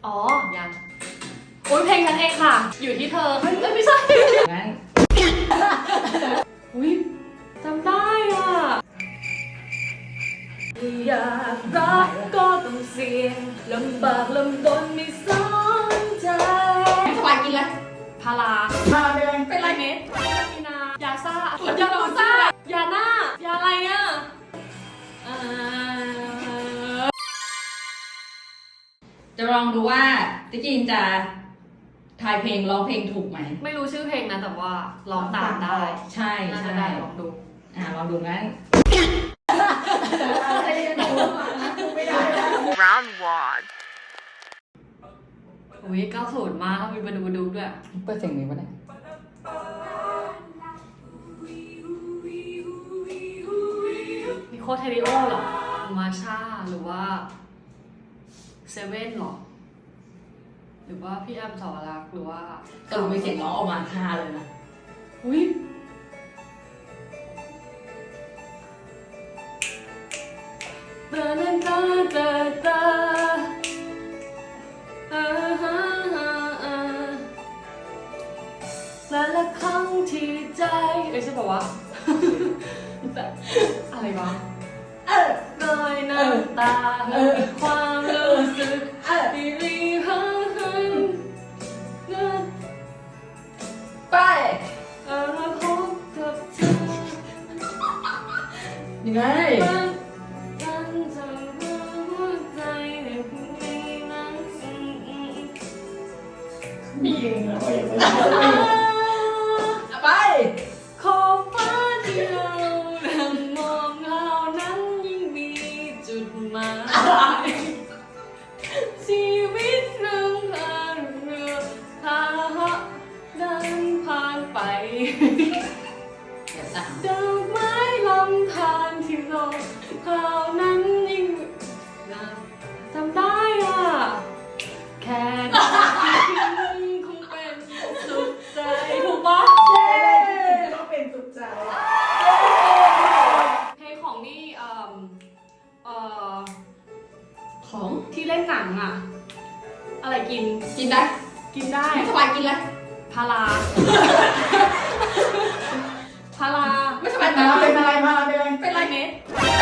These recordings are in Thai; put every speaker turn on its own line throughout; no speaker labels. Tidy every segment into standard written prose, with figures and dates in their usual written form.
อ๋อยังโอ้ยเพลงฉันเองค่ะอยู่ที่เธอเฮ้ยไม่ใช่
งั้น
อุ้ยจำได้อ่ะอยากรักก็ต้องเสี่ยงลำบากลำบนไม่สนใจ
สบายกินเลย
พารา
เป็นไร
เม็ดมีนายาซ่ายาโรซ่ายาหน้ายาอะไรอ่ะ
จะลองดูว่าติ๊กจีนจะทายเพลงร้องเพลงถูกไหม
ไม่รู้ชื่อเพลงนะแต่ว่าร้องตามได้
ใช่
น่าจะได้ลองดู
ลองดูงั้น
Round 1
อุ้ย90มาแล้วมีมาดูด้วย
เปิดเสียงนี้ปะเนี่ย
มีโคเทริโอหรอมาชาหรือว่าเซเว่นหรอหรือว่าพี่แอมสาวรักษ์หรือว่า
สรุปมีเสียงร้องออกมาค่าเลยนะ
อุ้ยตาตาตาตาและครั้งที่ใจใช่ป่าวะอะไรวะรอยน้ำตาความรู้สึกที่รีบ
ไป
พบกับเธอ
ยังไง
กันจะหัวใจในพรุ่งนี้นั้น
มีเองเหรอไป
ขอบฟ้าที่เรานั่งมองเรานั้นยิ่งมีจุดหมายชีวิตเรื่องพายเรือพาเหาะเดินผ่านไปดอกไม้ลำธารที่โลกเขานั้นยิ่งจำได้อ่ะแค่คงเป็นสุดใจถูกปะ
ก็เป็นสุดใจ
เพลงของนี่
ของ
ที่เล่นหนังอ่ะอะไรกิน
ได้
กินได้
สบายกินเลย
พาราพารา
ไม่สบายเป็นอะไรเป็นอะไร
เม็ด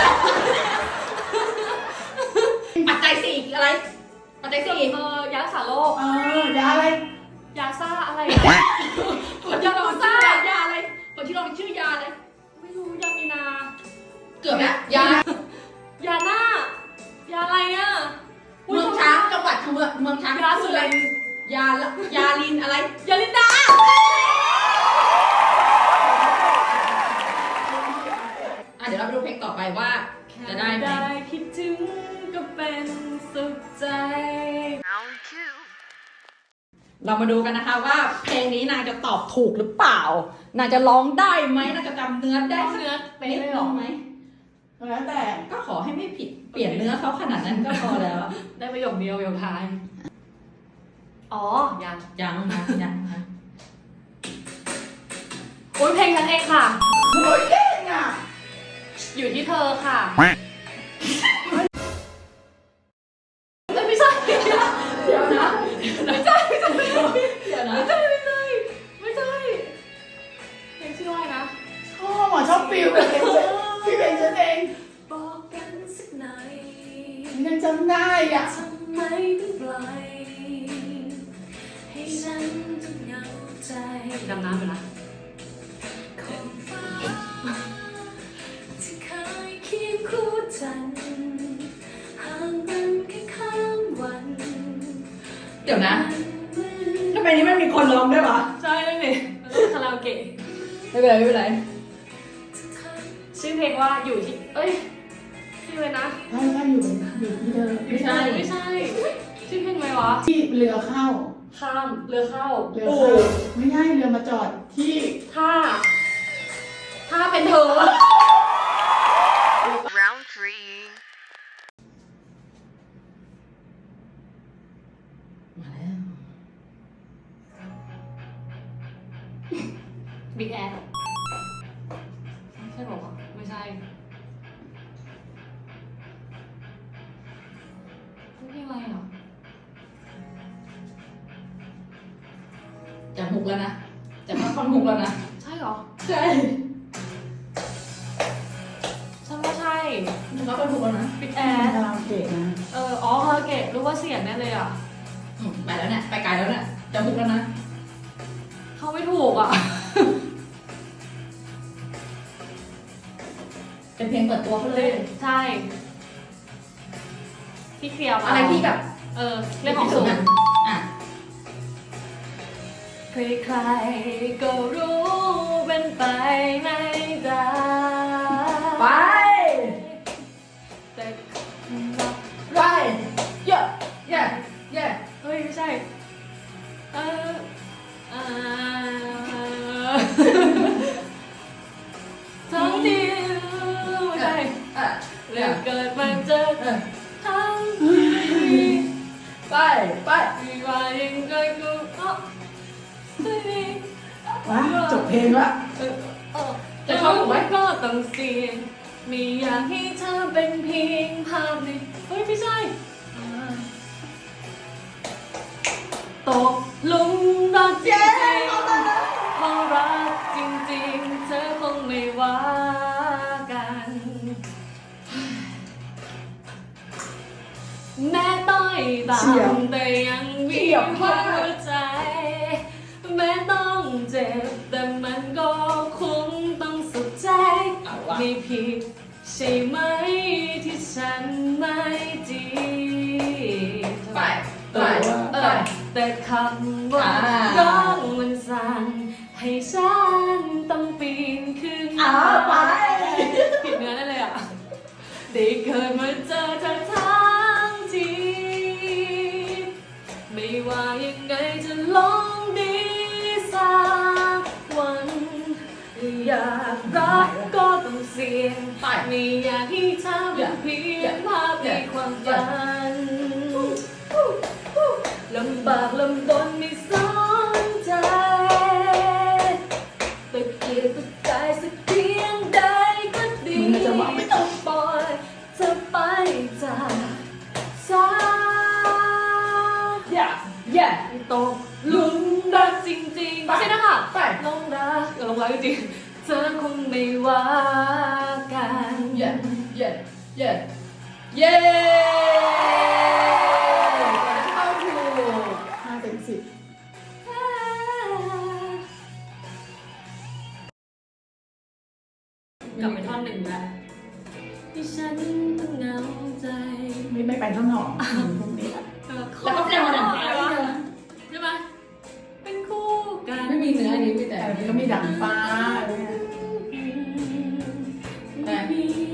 ปัจจัยสี่อะไรปัจจัยสี่
ยารักษาโรค
ยาอะไร
ยาซ่าอะไร
คนที่เราชื่อยาอะไรคนที่เราชื่อยาอะไร
ไม่รู้ยามีนา
เกือบแล้วยา
หน้ายาอะไรอ่ะ
เมืองช้างจังหวัดเมืองช้าง
ยาสุริน
ยาลินอะไร
ยาลินดา
เดี๋ยวเราไปดูเพลงต่อไปว่าจะได้ไหม
คิดถึงก็เป็นสุขใจ
Round
2เรามาดูกันนะคะว่าเพลงนี้นางจะตอบถูกหรือเปล่านางจะร้องได้ไหมนางจะจำเนื้อได้
เนื้อไปเลยหรอ
ไหมแล้วแต่ก็ขอให้ไม่ผิดเปลี่ยนเนื้อเขาขนาดนั้นก็พอแล้ว
ได้ประโยคเดียวประโยคท้ายอ๋อ
ยังนะ
โอ้ยเพลงฉันเองค่ะ
โอ้ยเก่งอ่ะ
อยู่ที่เธอค่ะไม่ใช่
เดี๋ยวนะ
ไม่ใช่เพลงชื่ออะไรนะ
ชอบฟิลแบบพี่เพลงฉันเอง
บอกกันสักหน่อย
ยังจำได้อ่ะ
ทำไมถึงปล่อยให้ฉันต้องเหงาใจดำน้ำไปละขอบฟ้าที่เคยเคียงคู่ฉันห่างกันแค่ข้ามวัน
เดี๋ยวนะทำไมนี้มันมีคนร้องด้วยวะ
ใช่เลยนี่คาราโอเกะ
ไม่เป็นไร
ชื่อเพลงว่าอยู่ที่ชื่ออะไรนะ
ไม่อยู่ที่เธอ
ไม่ใช่ชื่อเพลงอะไรวะ
ที่เรือเข้า
ข้ามเรือเข้า
ไม่ใช่เรือมาจอดที่
ท่าเป็นเธอ
Round 3
มาแล้ว
บิ๊กแอดใช่บอกว่าไม่ใช่เพลงอะไรอ่ะ
จะฮุกแล้วนะจะเข้าท่อนฮุกแล้วนะ
ใช่เหรอ
ใช่
ฉันว่าใช่
จะเข้าท่อนฮุกแล้วนะ
ปิดแอ
แอ
ร์
ร์คาราโอเกะนะ
อ๋อคาราโอเกะรู้ว่าเสียงแน่เลยอ่ะ
ไปแล้วเนี่ยไปไกลแล้วเนี่ยจะฮุกแล้วนะ
เขาไม่ถูกอ่ะ
เป็นเพลงเปิดตัวเขาเลย
ใช่ที่เคลียร์มา
อะไรที่แบบ
เรื่องของสูง
อ่ะ
ใครๆก็รู้เป็นไปไม่ได้
ไป
แต่
ไปเยอะเยอะเยอะ
เฮ้ยไม่ใช่เออเออทั้งที่ไม่ใช่
อ่ะ
เรื่องเกิดมาเจอ
เออ
ทั้งที่
ไปไป
ไม่ว่ายังไงก็ไม่ดี
ว้าจบเพลงละ
จะเข้าถูกไหมก็ต้องเสี่ยงไม่อยากให้เธอเป็นเพียงภาพในเฮ้ยไม่ใช่ตกหลุมรักจริงๆเพราะรักจริงๆเธอคงไม่ว่ากันแม้ต้อยต่ำแต่ยังมีหัวใจแม้ต้องเจ็บแต่มันก็คงต้องสุดใจ
เอาวะ
ไม่ผิดใช่ไหมที่ฉันไม่ดี
ไปไปไป
แต่คำว่า
อ่า
ร้องมันสั่งให้ฉันต้องปีนขึ้น
ไป
ผิดเนื้อได้เลยอ่ะได้เกิดมาเจอเธอทั้งทีไม่ว่ายังไงจะลองดีสักวันอยากรักก็ต้องเสี่ยง
ไป
ไม่อยากให้เธอเป็นเพียงภาพในความฝันลำบากลำบนไม่สนใจตะเกียกตะกายสักเพียงใดก็ดี
มึงจะบอกไม่ต้อง
ปล่อยเธอไปจากสาย
อย่าอย่า
ตกหลุมรักจริงๆไม่ใช่นะคะ
ไป
ลงรักลงรักจริงๆเธอคงไม่ว่ากัน
เย้เย้เย้เย้เข้าถูก
5 เต็ม 10
กลับไปท่อนหนึ่งแล้วที่ฉันต้องเหงาใจ
ไม่ไปท่อนหอมพวกนี้ละ
แล้วก็เพลงวันนั้น
ใช่ไหมเป็นคู่กัน
ไม่มีเนื้ออันนี้มีแต่
แต่มันก็มีดังฟ้า
ไม่มี